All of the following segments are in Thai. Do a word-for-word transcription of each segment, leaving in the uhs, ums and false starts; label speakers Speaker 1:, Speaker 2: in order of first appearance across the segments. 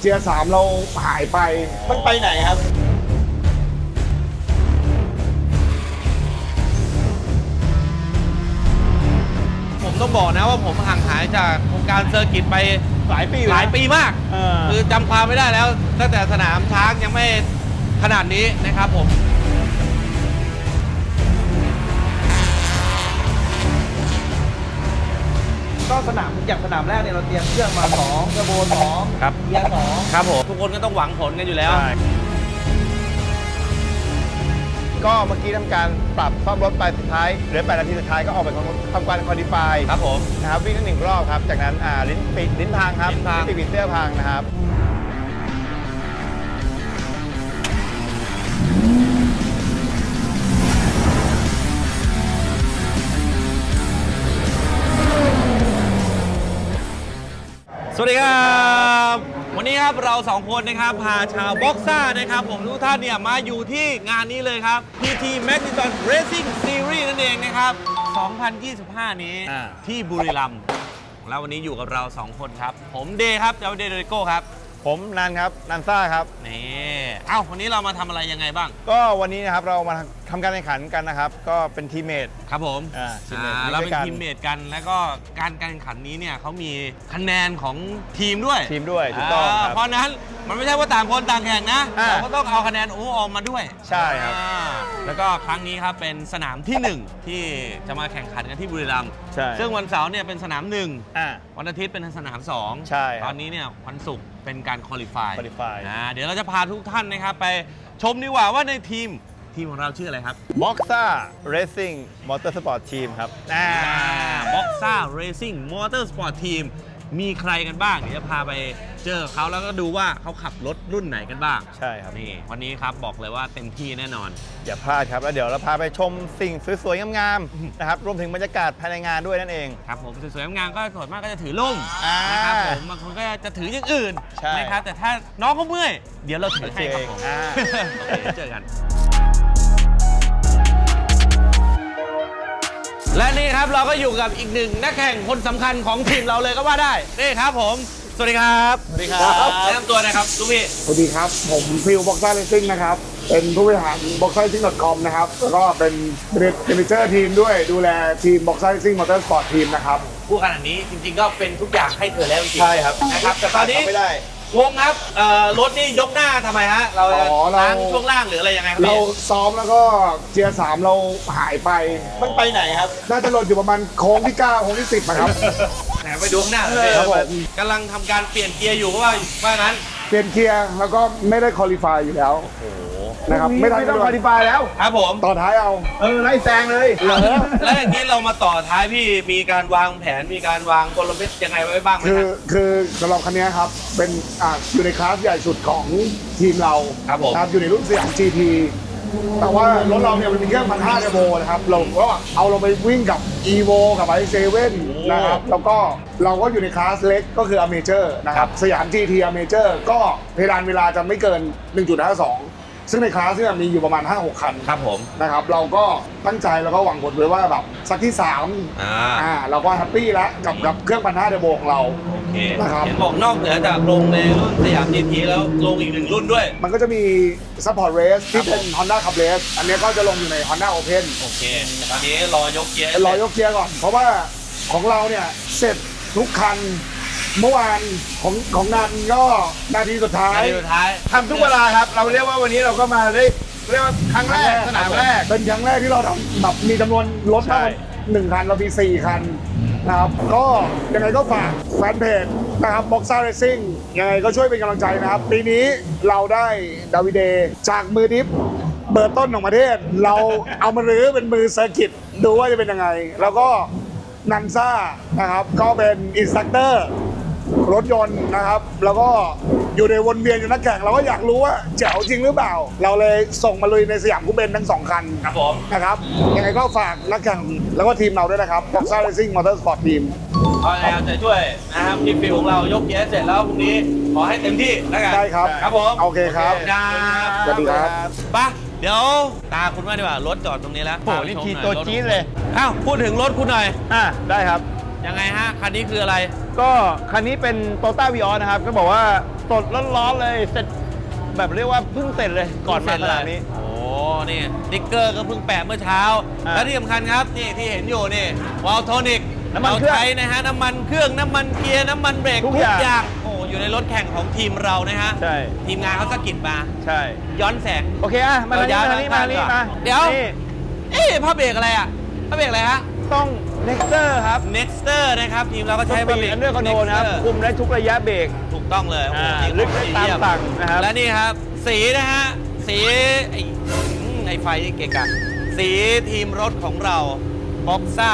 Speaker 1: เกียร์สามเราหายไปมันไปไหนครับ
Speaker 2: ผมต้องบอกนะว่าผมห่างหายจากวงการเซอร์กิตไป
Speaker 1: หลายปี
Speaker 2: หลายปีมากคือจำความไม่ได้แล้วตั้งแต่สนามช้างยังไม่ขนาดนี้นะครับผม
Speaker 3: ก็สนามอย่างสนามแรกเนี่ยเราเตรียมเครื่องมาสองกระโบนสอง
Speaker 2: ครับ
Speaker 3: เกียร์สอง
Speaker 2: ครับผมทุกคนก็ต้องหวังผลกันอยู่แล้ว
Speaker 1: ก็เมื่อกี้ทำการปรับซ่อมรถไปสุดท้ายเหลือแปดนาทีสุดท้ายก็ออกไปทำการคอดิฟาย
Speaker 2: ครับผม
Speaker 1: นะครับวิ่งกันหนึ่งรอบครับจากนั้นอ่าลิ้นปิดลิ้นพังครับ
Speaker 2: ลิ้นพัง
Speaker 1: ปิดปิดเสื้อพังนะครับ
Speaker 2: สวัสดีครับวันนี้ครับเราสองคนนะครับพาชาวบ็อกซ่านะครับผมทุกท่านเนี่ยมาอยู่ที่งานนี้เลยครับ พี ที Magneton Racing Series นั่นเองนะครับสองพันยี่สิบห้า นี้ที่บุรีรัมย์แล้ววันนี้อยู่กับเราสองคนครับผมเดย์ครับเจ้าเดย์โดริโก้ครับ
Speaker 1: ผมนันครับนันซ่าครับ
Speaker 2: นี่เอ้าวันนี้เรามาทำอะไรยังไงบ้าง
Speaker 1: ก็วันนี้นะครับเรามาทำการแข่งขันกันนะครับก็เป็นทีมเมท
Speaker 2: ครับผม
Speaker 1: อ่าทีมเมท
Speaker 2: เราเป็นทีมเมทกันแล้วก็การการแข่งขันนี้เนี่ยเขามีคะแนนของทีมด้วย
Speaker 1: ทีมด้วยถูกต้องครับ
Speaker 2: เพราะนั้นมันไม่ใช่ว่าต่างคนต่างแข่งนะเราก็ต้องเอาคะแนนโอ้ออกมาด้วย
Speaker 1: ใช่ครับ
Speaker 2: แล้วก็ครั้งนี้ครับเป็นสนามที่หนึ่งที่จะมาแข่งขันกันที่บุรีรัมย์ซึ่งวันเสาร์เนี่ยเป็นสนามหนึ่งวันอาทิตย์เป็นสนามสองตอนนี้เนี่ยวันศุกร์เป็นการคอลิฟายนะเดี๋ยวเราจะพาทุกท่านนะครับไปชมดีกว่าว่าในทีมทีมของเราชื่ออะไรครับ
Speaker 1: Boxa Racing Motorsport Team ครับ
Speaker 2: Boxa Racing Motorsport Team มีใครกันบ้างเดี๋ยวจะพาไปเจอเขาแล้วก็ดูว่าเขาขับรถรุ่นไหนกันบ้าง
Speaker 1: ใช่ครับ
Speaker 2: นี่วันนี้ครับบอกเลยว่าเต็มที่แน่นอน
Speaker 1: อย่าพลาดครับแล้วเดี๋ยวเราพาไปชมสิ่งสวยๆงามๆนะครับรวมถึงบรรยากาศภายในงานด้วยนั่นเอง
Speaker 2: ครับผมสวยๆงามๆก็ส่วนมากก็จะถือล่มนะครับผมบางคนก็จะถืออย่างอื่นนะครับแต่ถ้าน้องเขาเมื่อยเดี๋ยวเราถือให้ครับผมโอเคเจอกันและนี่ครับเราก็อยู่กับอีกหนึ่งนักแข่งคนสำคัญของทีมเราเลยก็ว่าได้นี่ครับผมสวัสดีครับ
Speaker 1: สวัสดีครับ
Speaker 2: แนะนำตัวนะครับลูกพี่
Speaker 1: สวัสดีครับผมฟิวบ็อกซ่าเรซิ่งนะครับเป็นผู้บริหาร บ็อกซ่าเรซิ่ง ดอท คอม นะครับแล้วก็เป็นเมเนเจอร์ทีมด้วยดูแลทีม บ็อกซ่าเรซิ่ง มอเตอร์สปอร์ต ทีมนะครับ
Speaker 2: ผู้ขนาดนี้จริงๆก็เป็นทุกอย่างให้เธอแล้วจริงๆ
Speaker 1: ใช่ครับ
Speaker 2: นะครับแต่ตอนนี้
Speaker 1: ไม่ได้
Speaker 2: วงครับรถนี่ยกหน้าทำไมฮะเราล้างช่วงล่างหรืออะไรยังไงครับ
Speaker 1: เราซ้อมแล้วก็เกียร์สามเราหายไปมันไปไหนครับน่าจะหล่นอยู่ประมาณโค้งที่เก้าโค้งที่สิบนะครับ
Speaker 2: ไหนไปดูข้างหน้าเลยครับกำลังทำการเปลี่ยนเกียร์อยู่เพราะว่าว่างั้น
Speaker 1: เปลี่ยนเกียร์แล้วก็ไม่ได้คอลิฟายอยู่แล้วนะครับไม่ต้องคอลิฟายแล้ว
Speaker 2: ครับผม
Speaker 1: ต่อท้ายเอาเออไล่แซงเลย
Speaker 2: แล้วอย่างนี้เรามาต่อท้ายพี่มีการวางแผนมีการวางกลยุทธ์ยังไงไว้บ้างไหม
Speaker 1: คือคือสำหรับคันนี้ครับเป็นอ่าอยู่ในคลาสใหญ่สุดของทีมเรา
Speaker 2: ครับผม
Speaker 1: อยู่ในรุ่นสยาม จี ที แต่ว่ารถเราเนี่ยมันมีเครื่องพันห้าเทอร์โบนะครับเราก็เอาเราไปวิ่งกับ อี โว กับ ไอ เซเว่น นะครับแล้วก็เราก็อยู่ในคลาสเล็กก็คือ Amateur นะครับสยาม จี ที Amateur ก็เพดานเวลาจะไม่เกิน หนึ่งจุดห้าสอง ซึ่งในคลาสเนี่ยมีอยู่ประมาณ ห้าหก คัน
Speaker 2: ครับผม
Speaker 1: นะครับเราก็ตั้งใจแล้วก็หวังผลไว้ว่าแบบสักที่สาม
Speaker 2: อ่า
Speaker 1: อ่าเราก็แฮปปี้แล้วกับกับเครื่องพันห้าเทอร์โบของเรา
Speaker 2: โอเคนะครับเห็นบอกนอกเหนือจากลงในรุ่นสยาม จี ที แล้วลงอีกหนึ่งรุ่นด้วย
Speaker 1: มันก็จะมี Support Race ที่เป็น Honda Cup Race อันนี้ก็จะลงอยู่ใน Honda Open
Speaker 2: โอเคตอนนี้รอยกเกียร์
Speaker 1: รอยกเกียร์ก่อนเพราะว่าของเราเนี่ยเสร็จทุกคันเมื่อวานของของนันก็นาทีสุดท้าย
Speaker 2: นาทีสุดท้าย
Speaker 1: ทำทุกเวลาครับเราเรียกว่าวันนี้เราก็มาได้เรียกว่าครั้งแรกสนามแรกเป็นครั้งแรกที่เราทำแบบมีจำนวนรถมากหนึ่งคันเรามีสี่คันนะครับก็ยังไงก็ฝากแฟนเพจนะครับ Boxa Racing ยังไงก็ช่วยเป็นกำลังใจนะครับปีนี้เราได้ดาวิเดจากมือดิฟเบอร์ต้นของประเทศเราเอามารื้อเป็นมือเซอร์กิตดูว่าจะเป็นยังไงแล้วก็นันซ่านะครับก็เป็นอินสตรัคเตอร์รถยนต์นะครับแล้วก็อยู่ในวนเวียนอยู่นักแข่งเราก็อยากรู้ว่าแจ๋วจริงหรือเปล่าเราเลยส่งมาลุยในสยามคูเบนทั้งสองคัน
Speaker 2: ครับผม
Speaker 1: นะครับยังไงก็ฝากนักแข่งแล้วก็ทีมเราด้วยนะครับ Boxa Racing Motorsport Team
Speaker 2: ขอให้เอาใจช่วยนะครับทีมฟิวของเรายกเกียร์เสร็จแล้วพรุ่งนี้ขอให้เต็มที่แล้วกัน
Speaker 1: ได้ครับ
Speaker 2: ครับผม
Speaker 1: โอเคครับ
Speaker 2: สวัสดีครับไปเดี๋ยวตาคุณว่าดีกว่ารถจอดตรงนี้แล้ว
Speaker 1: โอ้นี่ขี่ตัวจี๊ดเลย
Speaker 2: อ้าวพูดถึงรถคุณหน่อย
Speaker 1: อ่ะได้ครับ
Speaker 2: ยังไงฮะคันนี้คืออะไร
Speaker 1: ก็คันนี้เป็น Toyota Vios นะครับก็บอกว่า
Speaker 4: สดๆร้อนๆเลยเสร็จแบบเรียกว่าเพิ่งเสร็จเลยก่อนมาสนามนี้
Speaker 2: โอ้นี่ติ๊กเกอร์ก็เพิ่งแปะเมื่อเช้า
Speaker 4: อ่า
Speaker 2: และที่สำคัญครับนี่ที่เห็นอยู่นี่วาลโทนิก
Speaker 4: น้ำมันเครื่อง
Speaker 2: ใช้นะฮะน้ำมันเครื่องน้ำมันเกียร์น้ำมันเบรก
Speaker 4: ทุ
Speaker 2: ทุ
Speaker 4: ก
Speaker 2: ก
Speaker 4: อย่าง
Speaker 2: อย่างโอ้อยู่ในรถแข่งของทีมเรานะฮะ
Speaker 4: ใช่
Speaker 2: ทีมงานเขาสะกิดมา
Speaker 4: ใช่
Speaker 2: ย้อนแสง
Speaker 4: โอเคอ่ะมาทางนี้มาทางนี้มาทางนี้มา
Speaker 2: เดี๋ยว
Speaker 4: นี่
Speaker 2: เอ๊ะผ้าเบรกอะไรอ่ะผ้าเบรกอะไรฮะ
Speaker 4: ต้อง Nexter ครับ
Speaker 2: Nexter นะครับทีมเราก็ใช้
Speaker 4: ใช้
Speaker 2: ผ้า
Speaker 4: บะห
Speaker 2: เบร
Speaker 4: มี่
Speaker 2: ก
Speaker 4: อันเดอร์คอนโทรนะครับ
Speaker 2: Nexter
Speaker 4: คุมได้ทุกระยะเบรก
Speaker 2: ถูกต้องเลยโอ้โห
Speaker 4: อ่า
Speaker 2: จริง
Speaker 4: ลึกได้ตามสั่งนะครับ
Speaker 2: และนี่ครับ สีนะฮะ สีไอ้อืมไอ้ไฟเกะกะสีทีมรถของเรา Boxa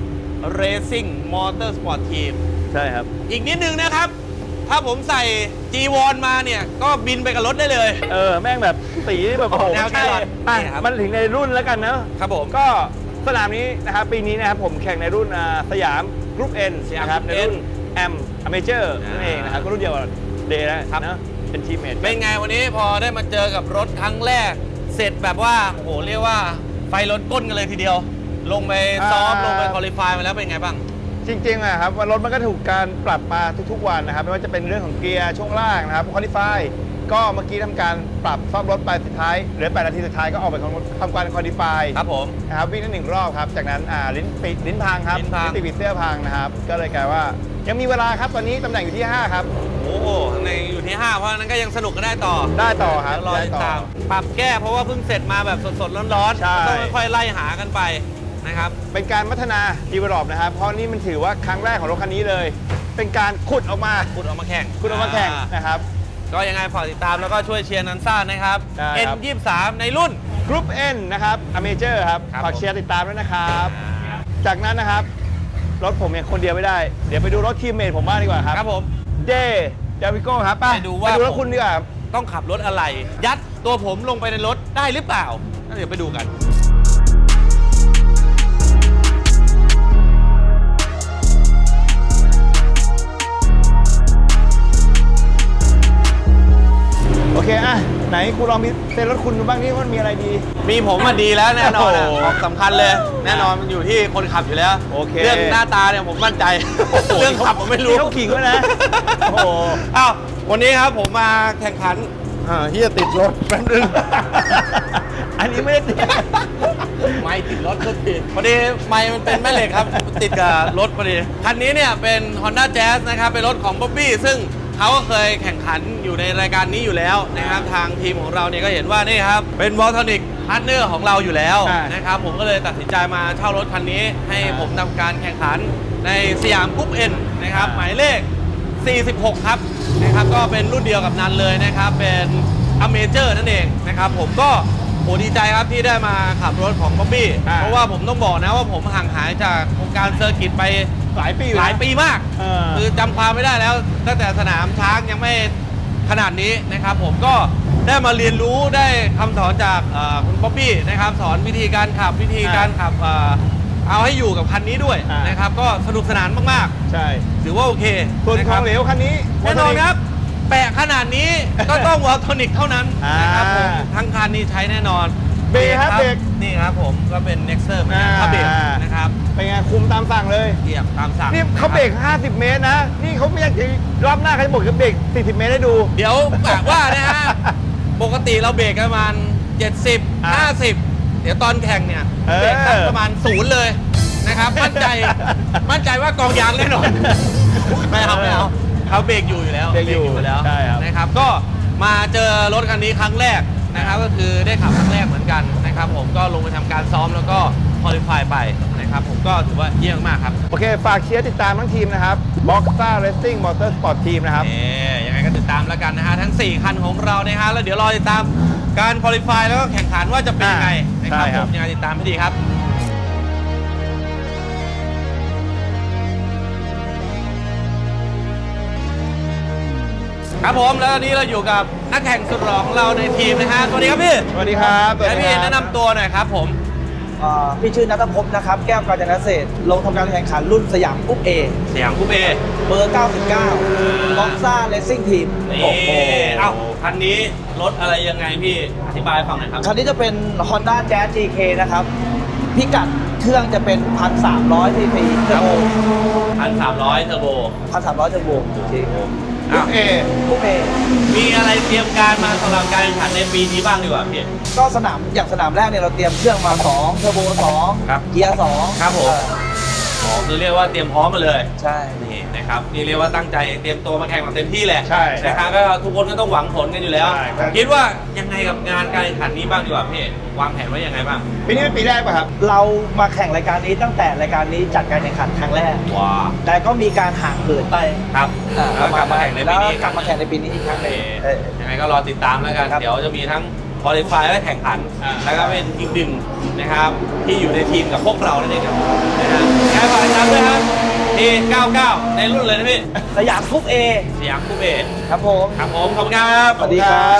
Speaker 2: Racing Motorsport Team
Speaker 4: ใช่ครับ
Speaker 2: อีกนิดนึงนะครับ ถ้าผมใส่ จี วอน มาเนี่ย ก็บินไปกับรถได้เลย
Speaker 4: เออ แม่งแบบสีแบบโอ้โห
Speaker 2: แนว
Speaker 4: ใช่
Speaker 2: แครอท
Speaker 4: อ่ะ
Speaker 2: นี่ครับ
Speaker 4: มันถึงในรุ่นแล้วกันเนอะ
Speaker 2: ครับผม
Speaker 4: ก็สนามนี้นะครับปีนี้นะครับผมแข่งในรุ่นอ่าสยามกรุ๊ป N
Speaker 2: สยาม
Speaker 4: นะครับ
Speaker 2: Group
Speaker 4: ในรุ่น
Speaker 2: N
Speaker 4: แอมอเมเจอร์
Speaker 2: อ่านั่
Speaker 4: นั่นเองนะครับก็รุ่นเดียวกับเดย์นะครับ เนอะเป็นทีมเมท
Speaker 2: เป็นไงวันนี้พอได้มาเจอกับรถครั้งแรก เสร็จแบบว่า โอ้โห เรียกว่าไฟล้นก้นกันเลยทีเดียว ลงไปซ้อม ลงไปคอลิฟายมาแล้วเป็นไงบ้าง
Speaker 4: จริงๆอะครับว่ารถมันก็ถูกการปรับมาทุกๆวันนะครับไม่ว่าจะเป็นเรื่องของเกียร์ช่วงล่างนะครับคอลิฟายก็เมื่อกี้ทำการปรับซ่อมรถไปสุดท้ายเหลือแปดนาทีสุดท้ายก็ออกไปทำการคอลิฟาย
Speaker 2: ครับผม
Speaker 4: นะครับวิ่งได้หนึ่งรอบครับจากนั้นอ่าลิ้นปิดลิ้นพังครับ
Speaker 2: ลิ้นพัง
Speaker 4: ติดปีเสื้อพังนะครับก็เลยกลายว่ายังมีเวลาครับตอนนี้ตำแหน่งอยู่ที่ห้าครับ
Speaker 2: โอ้โหข้างในอยู่ที่ ห้า เพราะฉะนั้นก็ยังสนุกกันได้ต่อ
Speaker 4: ได้ต่อครับ
Speaker 2: เดี๋ยวรอ
Speaker 4: ได้
Speaker 2: ติด
Speaker 4: ต่อ
Speaker 2: ตาม ปรับแก้เพราะว่าเพิ่งเสร็จมาแบบสดๆ ร้อน
Speaker 4: ใช่
Speaker 2: ๆต้องค่อยๆไล่หากันไปนะครับ
Speaker 4: เป็นการพัฒนาดีเวลลอปนะครับเพราะนี่มันถือว่าครั้งแรกของรถคันนี้เลย เป็นการขุดออกมา
Speaker 2: ขุดออกมาแข่ง
Speaker 4: ขุดออกมาแข่ง
Speaker 2: อ่า
Speaker 4: นะครับ
Speaker 2: ก็ยังไงฝากติดตามแล้วก็ช่วยเชียร์นันซ่านะครับ
Speaker 4: ได้
Speaker 2: เอ็น
Speaker 4: ครับ
Speaker 2: ยี่สิบสามในรุ่น
Speaker 4: กรุ๊ป N นะครับอเมเจอร์ครับ
Speaker 2: ครับ
Speaker 4: ฝากเชียร์ติดตามด้วยนะครับ จากนั้นนะครับ รถผมเนี่ยคนเดียวไม่ได้ เดี๋ยวไปดูรถทีมเมทผมบ้างดีกว่าครับ
Speaker 2: ครับผม
Speaker 4: เดเดวิโก้ครับไป
Speaker 2: ไปดูว่า
Speaker 4: ไปดูรถคุณดีกว่า
Speaker 2: ต้องขับรถอะไร ยัดตัวผมลงไปในรถได้หรือเปล่าเดี๋ยวไปดูกัน
Speaker 4: โอเคอ่ะไหนคุณลองมีเซ็นรถคุณดูบ้างนี่ว่ามันมีอะไรดี
Speaker 2: มีผมมาดีแล้วแน่นอนอะ
Speaker 4: โอ้โห
Speaker 2: ของสำคัญเลย แน่นอนมันอยู่ที่คนขับอยู่แล้ว
Speaker 4: โอเค
Speaker 2: เรื่องหน้าตาเนี่ยผมมั่นใจ เรื่องขับผมไม่รู้
Speaker 4: เขาขิงไว้นะโอ้โห
Speaker 2: อ้าววันนี้ครับผมมาแข่งขันอ่าเฮียติดรถแป๊บนึง
Speaker 4: อันนี้ไม่ได้ติด
Speaker 2: ไม่ติดรถก็ติดพอดีไม่มันเป็นแม่เหล็กครับ ติดกับรถพอดี คันนี้เนี่ยเป็น Honda Jazz นะครับเป็นรถของ Bobby ซึ่งเขาก็เคยแข่งขันอยู่ในรายการนี้อยู่แล้วนะครับทางทีมของเราเนี่ยก็เห็นว่านี่ครับเป็นวอลทอนิกพาร์ทเนอร์ของเราอยู่แล้ว
Speaker 4: ใช่
Speaker 2: นะครับผมก็เลยตัดสินใจมาเช่ารถคันนี้ ให้ผมทำการแข่งขันในสยามกรุ๊ปเอ็นนะครับหมายเลข สี่สิบหก ครับนะครับก็เป็นรุ่นเดียวกับนันเลยนะครับเป็นอเมเจอร์นั่นเองนะครับผมก็โหดีใจครับที่ได้มาขับรถของบ๊อบบี้
Speaker 4: อ่า
Speaker 2: เพราะว่าผมต้องบอกนะว่าผมห่างหายจากวงการเซอร์กิตไป
Speaker 4: หลายปีอยู่นะ
Speaker 2: หลายปีมาก
Speaker 4: เออ
Speaker 2: คือจำความไม่ได้แล้วตั้งแต่สนามช้างยังไม่ขนาดนี้นะครับผมก็ได้มาเรียนรู้ได้คำสอนจากเอ่อคุณบ๊อบบี้นะครับสอนวิธีการขับวิธีการขับเอ่อเอาให้อยู่กับคันนี้ด้วย
Speaker 4: อ่าน
Speaker 2: นะครับก็สนุกสนานมาก
Speaker 4: ใช่
Speaker 2: ๆ ถือว่าโอเค
Speaker 4: ส่วน
Speaker 2: นะ
Speaker 4: ข
Speaker 2: ค
Speaker 4: อ
Speaker 2: รั
Speaker 4: ง
Speaker 2: บ
Speaker 4: เหลวคันนี้
Speaker 2: แน่นอนครับ แปะขนาดนี้ ก็ต้องวอลโทนิกเท่านั้น
Speaker 4: อ่าน
Speaker 2: นะครับผมทั้งคันนี้ใช้แน่นอน
Speaker 4: เบรกครับเบรก
Speaker 2: นี่ครับผมก็เป็น Nexter เหมือนกัน
Speaker 4: อ่า
Speaker 2: ถ้าเบรกนะครับ
Speaker 4: เป็นไงคุมตามสั่งเลย
Speaker 2: เหยียบตามสั่ง
Speaker 4: นี่เขาเบรกห้าสิบเมตรนะ นี่เขาไม่อยากจะรอบหน้าเขาจะบอกจะเบรกสี่สิบเมตรให้ดู
Speaker 2: เดี๋ยวกะว่านะฮะ ปกติเราเบรกประมาณเจ็ดสิบ
Speaker 4: อ่า
Speaker 2: ห้าสิบ เดี๋ยวตอนแข่งเนี่ย
Speaker 4: เออ
Speaker 2: เบรกสักประมาณศูนย์เลยนะครับมั่นใจมั่นใจว่ากองยางแน่นอน ไม่เอาไม่เอาเขาเบรกอยู่อยู่แล้ว
Speaker 4: เบรกอยู่
Speaker 2: แล้ว
Speaker 4: ใช่ครับ
Speaker 2: นะครับก็มาเจอรถคันนี้ครั้งแรกนะครับก็คือได้ขับครั้งแรกเหมือนกันนะครับผมก็ลงไปทำการซ้อมแล้วก็คอลิฟายไปนะครับผมก็ถือว่าเยี่ยมมากครับ
Speaker 4: โอเค ฝากเชียร์ติดตามทั้งทีมนะครับ Boxa Racing Motorsport Team นะครับ
Speaker 2: เอ๊ยังไงก็ติดตามแล้วกันนะฮะทั้ง สี่ คันของเรานะฮะแล้วเดี๋ยวรอติดตามการคอลิฟายแล้วก็แข่งขันว่าจะเป็นยังไงนะครับ
Speaker 4: ใช่ค
Speaker 2: ผ
Speaker 4: รับ
Speaker 2: มยังไงติดตามให้ดีครับ ครับผมแล้วตอนนี้เราอยู่กับนักแข่งสุดหล่อของเราในทีมนะฮะสวัสดีครับพี่
Speaker 4: สวัสดีครับสวัส
Speaker 2: ให้
Speaker 4: ดี
Speaker 2: พี่
Speaker 4: ครับ
Speaker 2: แนะนำตัวหน่อยครับผม
Speaker 3: อ่าพี่ชื่อนัทภพนะครับ แก้วกาญจนเศรษฐ์ลงทำการแข่งขันรุ่นสยามกรุ๊ป A
Speaker 2: สยามกรุ๊ปเอ
Speaker 3: เบอร์ เก้าสิบเก้า บ็อกซ่าเรซซิ่งทีม
Speaker 2: นี่เอ้าคันนี้รถอะไรยังไงพี่อธิบายให้ฟังหน่อยครับ
Speaker 3: คันนี้จะเป็น Honda Jazz จี เค นะครับ พิกัดเครื่องจะเป็น หนึ่งพันสามร้อย ซี ซี เทอร์โบ
Speaker 2: พันสามร้อยเทอร์โบ
Speaker 3: หนึ่งพันสามร้อย เทอร์โบจริง
Speaker 2: อ้าว
Speaker 4: เอ
Speaker 3: คู่เอ
Speaker 2: มีอะไรเตรียมการมาสำหรับการแข่งขันในปีนี้บ้างดีกว่าพี่
Speaker 3: ก็สนามอย่างสนามแรกเนี่ยเราเตรียมเครื่องมาสองเทอร์โบสอง
Speaker 2: ครับ
Speaker 3: เกียร์สอง
Speaker 2: ครับผม
Speaker 3: เออ
Speaker 2: อ๋อคือเรียกว่าเตรียมพร้อมมาเลย
Speaker 3: ใช่
Speaker 2: นี่นะครับนี่เรียกว่าตั้งใจเตรียมตัวมาแข่งแบบเต็มที่แหละ
Speaker 4: ใช่
Speaker 2: นะครับก็ทุกคนก็ต้องหวังผลกันอยู่แล้ว
Speaker 4: ใช่ครับ
Speaker 2: คิดว่ายังไงกับงานการแข่งขันนี้บ้างดีกว่าพี่วางแผนไว้ยังไงบ้าง
Speaker 4: ปีนี้เป็นปีแรกป่ะครับ
Speaker 3: เรามาแข่งรายการนี้ตั้งแต่รายการนี้จัดการแข่งขันครั้งแรก
Speaker 2: ว้า
Speaker 3: แต่ก็มีการห่างเหินไป
Speaker 2: ครับ
Speaker 3: อ่
Speaker 2: แล้วกลับมาแข่งในปีนี้
Speaker 3: แล้วกลับมาแข่งในปีนี้อีกครั้งห
Speaker 2: โอ
Speaker 3: นึ
Speaker 2: เค
Speaker 3: งเออ
Speaker 2: ยังไงก็รอติดตามแล้วกัน
Speaker 3: ครับ
Speaker 2: เดี๋ยวจะมีทั้งคอลิฟายและแข่งขัน
Speaker 4: อ่า
Speaker 2: แล้วก็เป็นอีกหนึ่งนะครับที่อยู่ในทีมกับพวกเรานั่นเองครับนะฮะแค่ฝากติดตามด้วยครับ เอ เก้าสิบเก้า ในรุ่นเลยนะพี่
Speaker 3: สยามคุปเอ
Speaker 2: สยามคูเบศ
Speaker 3: ครับผม
Speaker 2: ครับผมขอบคุณครับ
Speaker 3: สวัสดีครับ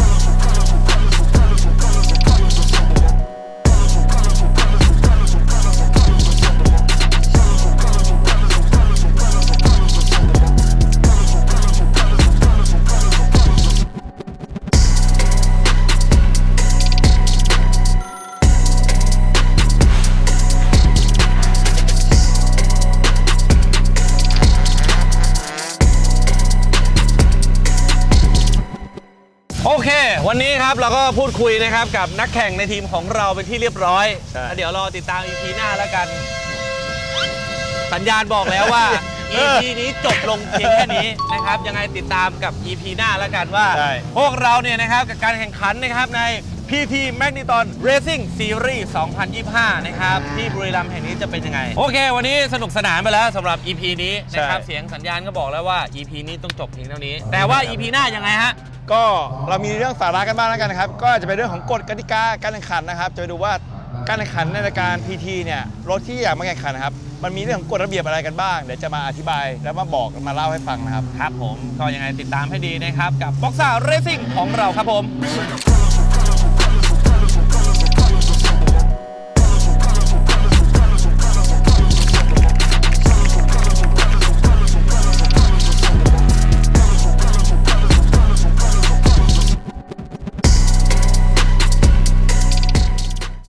Speaker 2: โอเค วันนี้ครับเราก็พูดคุยนะครับกับนักแข่งในทีมของเราเป็นที่เรียบร้อย
Speaker 4: ใช่
Speaker 2: แล้วเดี๋ยวรอติดตาม อี พี หน้าแล้วกัน สัญญาณบอกแล้วว่า อี พี นี้จบลงเพียงแค่นี้นะครับ ยังไงติดตามกับ อี พี หน้าแล้วกันว่า
Speaker 4: ใช่
Speaker 2: พวกเราเนี่ยนะครับกับการแข่งขันนะครับใน พี ที Magneton Racing Series สองพันยี่สิบห้า นะครับที่บุรีรัมย์แห่งนี้จะเป็นยังไง โอเค วันนี้สนุกสนานไปแล้วสำหรับ อี พี นี้นะครับ
Speaker 4: ใช่
Speaker 2: เสียงสัญญาณก็บอกแล้วว่า อี พี นี้ต้องจบเพียงเท่านี้ แต่ว่า อี พี หน้ายังไงฮะ
Speaker 4: ก็เรามีเรื่องสาระกันบ้างแล้วกันนะครับ ก็จะเป็นเรื่องของกฎกติกาการแข่งขันนะครับ จะไปดูว่าการแข่งขันในรายการ พี ที เนี่ยรถที่อยากมาแข่งขันนะครับ มันมีเรื่องของกฎระเบียบอะไรกันบ้าง เดี๋ยวจะมาอธิบายแล้วมาบอกมาเล่าให้ฟังนะครับ
Speaker 2: ครับผมก็ยังไงติดตามให้ดีนะครับกับ Boxer Racing ของเราครับผม